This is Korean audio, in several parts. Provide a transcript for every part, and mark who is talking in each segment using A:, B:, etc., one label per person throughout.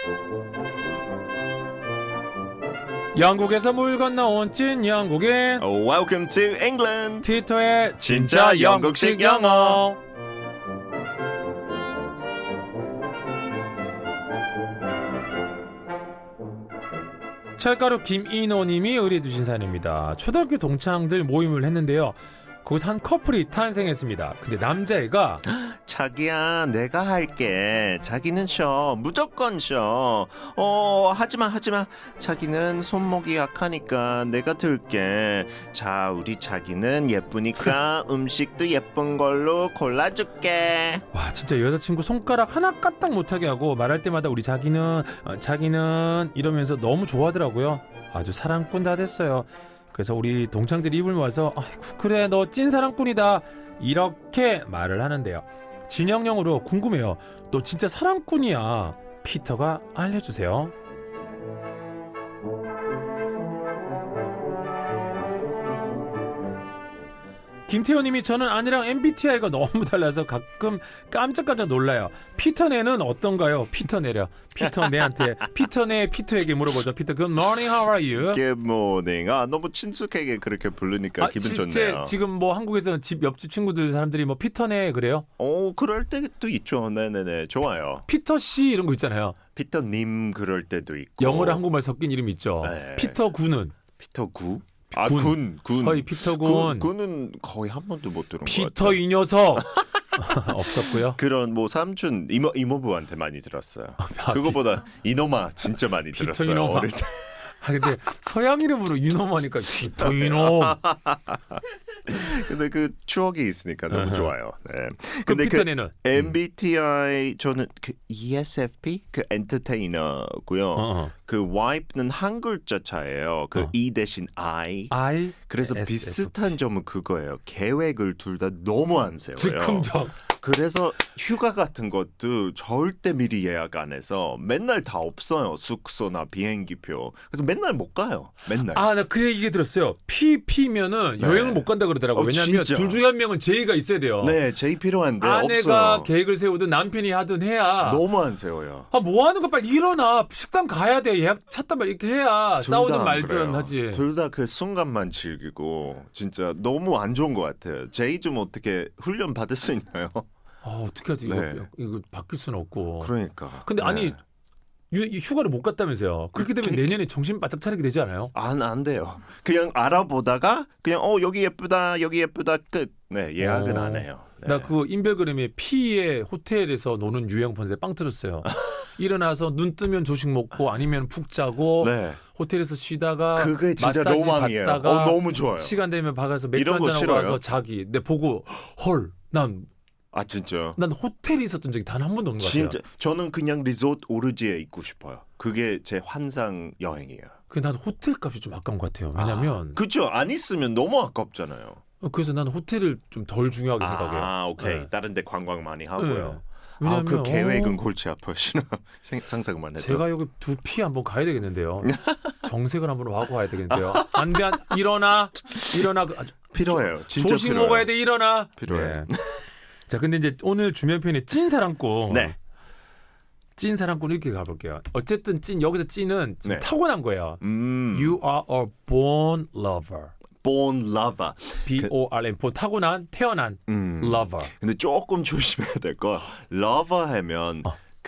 A: 영국에서 물 건너온 찐 영국인
B: Welcome to England.
A: 티토의
B: 진짜 영국식 영어.
A: 철가루 김인호님이 의뢰주신 사연입니다. 초등학교 동창들 모임을 했는데요. 거기서 한 커플이 탄생했습니다. 근데 남자애가
B: 자기야, 내가 할게. 자기는 쉬어. 무조건 쉬어. 하지마. 자기는 손목이 약하니까 내가 들게. 자, 우리 자기는 예쁘니까 음식도 예쁜 걸로 골라줄게.
A: 와 진짜 여자친구 손가락 하나 까딱 못하게 하고 말할 때마다 우리 자기는 이러면서 너무 좋아하더라고요. 아주 사랑꾼 다 됐어요. 그래서 우리 동창들이 입을 모아서 아이고, 그래 너 찐 사랑꾼이다 이렇게 말을 하는데요. 진영영으로 궁금해요. 너 진짜 사랑꾼이야. 피터가 알려주세요. 김태호님이 저는 아내랑 MBTI가 너무 달라서 가끔 깜짝깜짝 놀라요. 피터네는 어떤가요? 피터네려. 피터네한테 피터네 피터에게 물어보죠. 피터, good morning, how are you?
B: Good morning. 너무 친숙하게 그렇게 부르니까 기분 좋네요.
A: 지금 뭐 한국에서는 집 옆집 친구들 사람들이 뭐 피터네 그래요?
B: 그럴 때도 있죠. 네네네, 좋아요.
A: 피터 씨 이런 거 있잖아요.
B: 피터님 그럴 때도 있고.
A: 영어랑 한국말 섞인 이름 있죠.
B: 네.
A: 피터 군은
B: 피터 구?
A: 군.
B: 군.
A: 거의 피터 군.
B: 군은 거의 한 번도 못 들은 것 같아요.
A: 피터 이 녀석 없었고요.
B: 그런 뭐 삼촌 이모부한테 많이 들었어요. 그거보다 이노마 진짜 많이
A: 피터
B: 들었어요.
A: 이노마.
B: 어릴 때.
A: 근데 서양 이름으로 이놈하니까 피터 이놈.
B: 근데 그 추억이 있으니까 너무 좋아요. 네.
A: 그럼
B: 근데
A: 피터네는
B: MBTI 저는 그 ESFP 그 엔터테이너고요. 그 Y는 한 글자 차예요. 그 E 대신 I. 그래서
A: SFP.
B: 비슷한 점은 그거예요. 계획을 둘 다 너무 안 세워요.
A: 즉흥적.
B: 그래서 휴가 같은 것도 절대 미리 예약 안 해서 맨날 다 없어요. 숙소나 비행기표. 그래서 맨날 못 가요. 맨날.
A: 나 그 얘기 들었어요. P면은
B: 네.
A: 여행을 못 간다 그러더라고요. 왜냐하면
B: 진짜.
A: 둘 중에 한 명은 제의가 있어야 돼요.
B: 네, 제일 필요한데
A: 아내가
B: 없어요.
A: 계획을 세우든 남편이 하든 해야.
B: 너무 안 세워요.
A: 뭐 하는 거 빨리 일어나. 식당 가야 돼. 예약 찾단 말 이렇게 해야
B: 둘 다
A: 싸우든
B: 안
A: 말든
B: 그래요.
A: 하지.
B: 둘 다 그 순간만 즐기고 진짜 너무 안 좋은 것 같아요. 제이 좀 어떻게 훈련 받을 수 있나요?
A: 어떻게 하지?
B: 네.
A: 이거 바뀔 수는 없고.
B: 그러니까.
A: 근데 아니 휴가를 못 갔다면서요. 그렇게 되면 내년에 정신 바짝 차리게 되지 않아요?
B: 안 돼요. 그냥 알아보다가 그냥 여기 예쁘다 끝. 네, 예약은 안 해요. 네.
A: 나 그 인별그램에 P의 호텔에서 노는 유형 본데 빵 터졌어요. 일어나서 눈 뜨면 조식 먹고 아니면 푹 자고
B: 네.
A: 호텔에서 쉬다가
B: 그게 진짜
A: 마사지
B: 로망이에요.
A: 받다가
B: 너무 좋아요.
A: 시간 되면 박아서 맥주
B: 이런 거
A: 한잔 하고
B: 싫어요?
A: 와서 자기. 근데 보고 난
B: 진짜요?
A: 호텔에 있었던 적이 단 한 번도 없는 것 같아요.
B: 진짜 저는 그냥 리조트 오르지에 있고 싶어요. 그게 제 환상 여행이에요.
A: 난 호텔 값이 좀 아까운 것 같아요. 왜냐면
B: 그렇죠. 안 있으면 너무 아깝잖아요.
A: 그래서 나는 호텔을 좀 덜 중요하게 생각해요.
B: 오케이.
A: 네.
B: 다른 데 관광 많이 하고요.
A: 네. 왜냐면
B: 그 계획은 골치 아파시나 상상만 해도.
A: 제가 여기 두피 한번 가야 되겠는데요. 정색을 한번 하고 가야 되겠는데요. 안 돼, 일어나.
B: 필요해요. 진짜
A: 조식
B: 필요해요.
A: 먹어야 돼, 일어나.
B: 필요해요.
A: 네. 자, 근데 이제 오늘 주면 편의 찐 사랑꾼.
B: 네.
A: 찐 사랑꾼 이렇게 가볼게요. 어쨌든 여기서 찐은
B: 네.
A: 타고난 거예요. You are a born lover.
B: Born lover.
A: B-O-R-N. 타고난, 태어난 lover.
B: 근데 조금 조심해야 될 거. lover 하면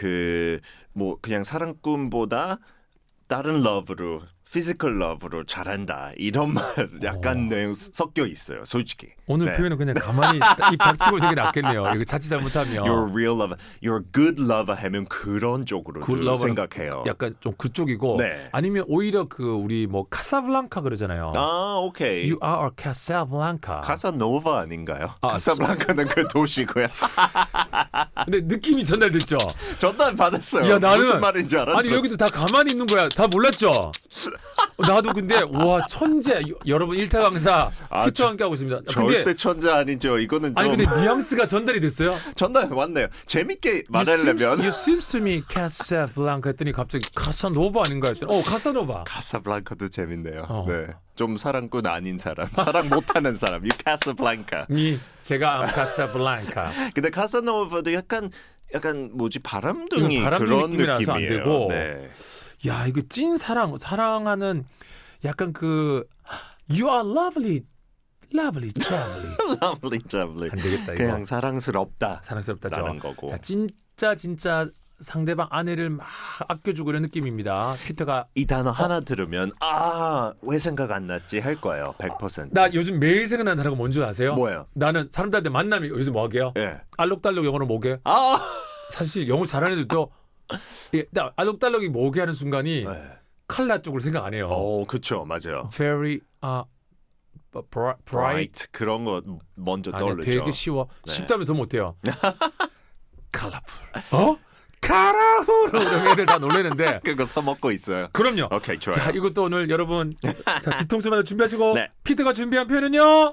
B: 그냥 사랑꾼보다 다른 love로 physical love로 잘한다 이런 말 약간 내용 섞여 있어요. 솔직히.
A: 오늘
B: 네.
A: 표현은 그냥 가만히 입 닥치고 되게 낫겠네요. 이거 자칫 잘못하면.
B: You're a real lover. You're a good lover 하면 그런 쪽으로 생각해요.
A: 약간 좀 그쪽이고
B: 네.
A: 아니면 오히려 우리 뭐 카사블랑카 그러잖아요.
B: 오케이.
A: You are a Casablanca.
B: 카사노바 아닌가요? 카사블랑카는 그 도시고요.
A: 근데 느낌이 전달됐죠.
B: 전달 받았어요.
A: 야, 나는
B: 무슨 말인지 알았죠.
A: 아니 여기도 다 가만히 있는 거야. 다 몰랐죠. 나도 근데 와 천재. 여러분 일타 강사 피터와 함께 하고 있습니다.
B: 절대 천재 아니죠. 이거는 좀.
A: 아니 근데 뉘앙스가 전달이 됐어요.
B: 전달 왔네요. 재밌게 말하려면.
A: You seems to me Casablanca 했더니 갑자기 카사노바 아닌가 했더니 카사노바.
B: 카사블랑카도 재밌네요. 네. 좀 사랑꾼 아닌 사람, 사랑 못하는 사람. You Casablanca.
A: 제가 카사블랑카.
B: 근데 카사노바도 약간 약간 뭐지 바람둥이
A: 이건 바람둥이
B: 그런
A: 느낌이라서 안
B: 느낌이에요.
A: 되고.
B: 네.
A: 야 이거 찐 사랑하는 약간 그 You are lovely, lovely, lovely.
B: lovely, lovely.
A: 안 되겠다 이거.
B: 그냥 사랑스럽다.
A: 사랑스럽다죠.
B: 라는 거고.
A: 자 진짜 상대방 아내를 막 아껴주고 이런 느낌입니다. 피터가
B: 이 단어 하나 들으면 왜 생각 안 났지 할 거예요. 100%.
A: 나 요즘 매일 생각나는 단어가 뭔지 아세요?
B: 뭐예요?
A: 나는 사람들한테 만나면 요즘 뭐게요?
B: 예.
A: 알록달록 영어로 뭐게? 사실 영어 잘하는 애들도 나 알록달록이 뭐게 하는 순간이
B: 네.
A: 칼라 쪽으로 생각 안 해요.
B: 그쵸, 맞아요.
A: Very bright.
B: bright 그런 거 먼저
A: 아니야,
B: 떠오르죠.
A: 되게 쉬워.
B: 네.
A: 쉽다면 더 못해요. colorful. 카라후로 이런 애들 다 놀래는데.
B: 그거 써먹고 있어요.
A: 그럼요.
B: 오케이, 좋아요.
A: 자, 이것도 오늘 여러분 자, 뒤통수 맞아 준비하시고
B: 네.
A: 피터가 준비한 표현은요.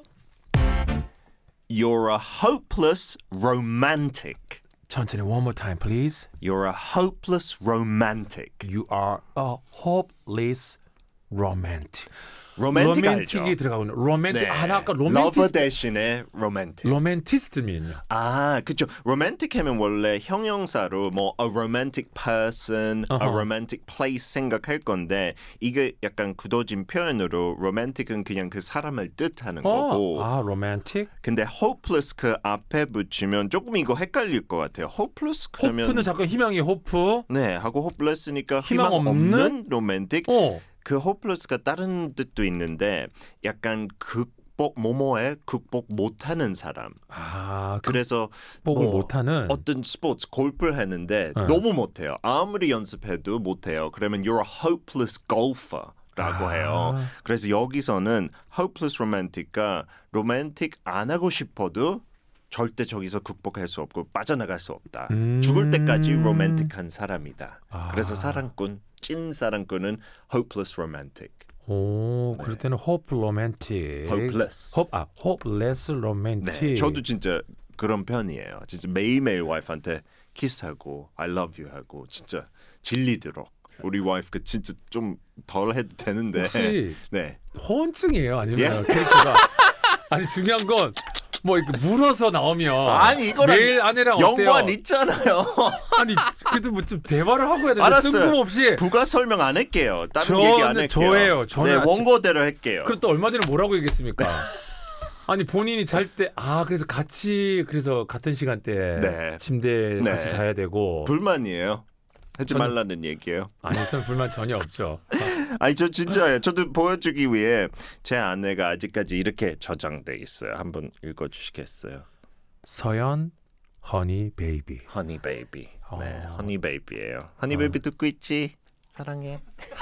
B: You're a hopeless romantic.
A: 천천히 one more time please.
B: You're a hopeless romantic.
A: You are a hopeless romantic.
B: 로맨틱
A: 로맨틱이
B: 알죠?
A: 들어가고 있는 로맨틱.
B: 네.
A: 나 아까
B: 러버
A: 로맨티스트.
B: 대신에 로맨틱.
A: 로맨티스트면요.
B: 그쵸. 로맨틱 하면 원래 형용사로 뭐 a romantic person, a romantic place 생각할 건데 이게 약간 굳어진 표현으로 로맨틱은 그냥 그 사람을 뜻하는 거고
A: 로맨틱.
B: 근데 hopeless 그 앞에 붙이면 조금 이거 헷갈릴 것 같아요. hopeless 그러면
A: 호프는 잠깐 희망이 호프.
B: 네 하고 hopeless니까
A: 희망
B: 희망
A: 없는?
B: 없는 로맨틱 그 hopeless가 다른 뜻도 있는데 약간 뭐뭐에 극복 못하는 사람. 그래서
A: 극복을 못하는
B: 어떤 스포츠 골프를 했는데 너무 못해요. 아무리 연습해도 못해요. 그러면 you're a hopeless golfer라고 해요. 그래서 여기서는 hopeless romantic가 로맨틱 안 하고 싶어도 절대 저기서 극복할 수 없고 빠져나갈 수 없다. 죽을 때까지 로맨틱한 사람이다. 그래서 사랑꾼, 찐 사랑꾼은 hopeless romantic.
A: 그럴 때는 hope romantic.
B: hopeless.
A: hopeless romantic.
B: 네, 저도 진짜 그런 편이에요. 진짜 매일매일 와이프한테 키스하고 I love you 하고 진짜 질리도록. 우리 와이프가 진짜 좀 덜 해도 되는데.
A: 혹시
B: 네.
A: 허언증이에요? 아니면
B: 예?
A: 캐릭터가? 아니 중요한 건 뭐 이렇게 물어서 나오면
B: 아니 이거랑
A: 매일 아내랑
B: 연관
A: 어때요?
B: 있잖아요.
A: 아니 그래도 뭐 좀 대화를 하고 해야 되는데
B: 알았어요.
A: 뜬금없이
B: 부가 설명 안 할게요. 다른 얘기 안 할게요.
A: 저예요. 저는
B: 네, 원고대로 할게요.
A: 그럼 또 얼마 전에 뭐라고 얘기했습니까? 아니 본인이 잘 때 그래서 같이 그래서 같은 시간대에
B: 네.
A: 침대에
B: 네.
A: 같이 자야 되고
B: 불만이에요. 하지
A: 저는-
B: 말라는 얘기예요.
A: 아니 저는 불만 전혀 없죠.
B: 아니 저 진짜예요. 저도 보여주기 위해 제 아내가 아직까지 이렇게 저장돼 있어요. 한번 읽어주시겠어요?
A: 서연 허니 베이비.
B: 허니 베이비. 네,
A: 어.
B: 허니 베이비예요. 허니 베이비 듣고 있지? 사랑해.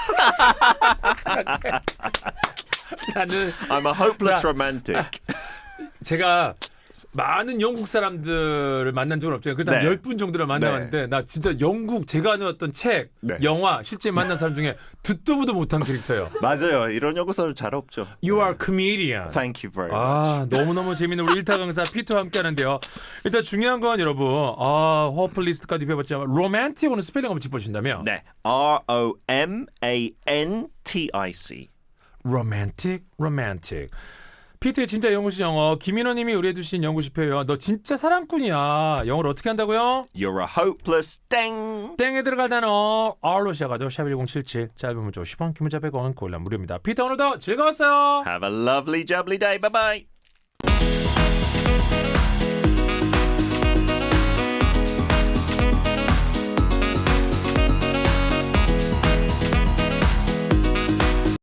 A: 나는
B: I'm a hopeless romantic.
A: 제가 많은 영국 사람들을 만난 적은 없지만 그래도 한
B: 네.
A: 10분 정도를 만나봤는데 나 진짜 영국 제가 아는 어떤 책,
B: 네.
A: 영화 실제 만난 사람 중에 듣도 보도 못한 캐릭터예요.
B: 맞아요. 이런 요구서를 잘 없죠.
A: You are comedian.
B: Thank you very much.
A: 너무너무 재밌는 우리 일타 강사 피터와 함께 하는데요. 일단 중요한 건 여러분 호플리스트까지 배워봤지만 로맨틱 오늘 스펠링 한번 짚어주신다면
B: 네, romantic.
A: 로맨틱 피터의 진짜 영어시 영어 김인호님이 의뢰해주신 영어시 표현 너 진짜 사랑꾼이야. 영어를 어떻게 한다고요?
B: You're a hopeless 땡.
A: 땡에 들어갈 단어 R로 시작하죠. 샵1077 짧은 문자 10원 긴 문자 100원 고일라 무료입니다. 피터 오늘도 즐거웠어요.
B: Have a lovely jubbly day. Bye bye.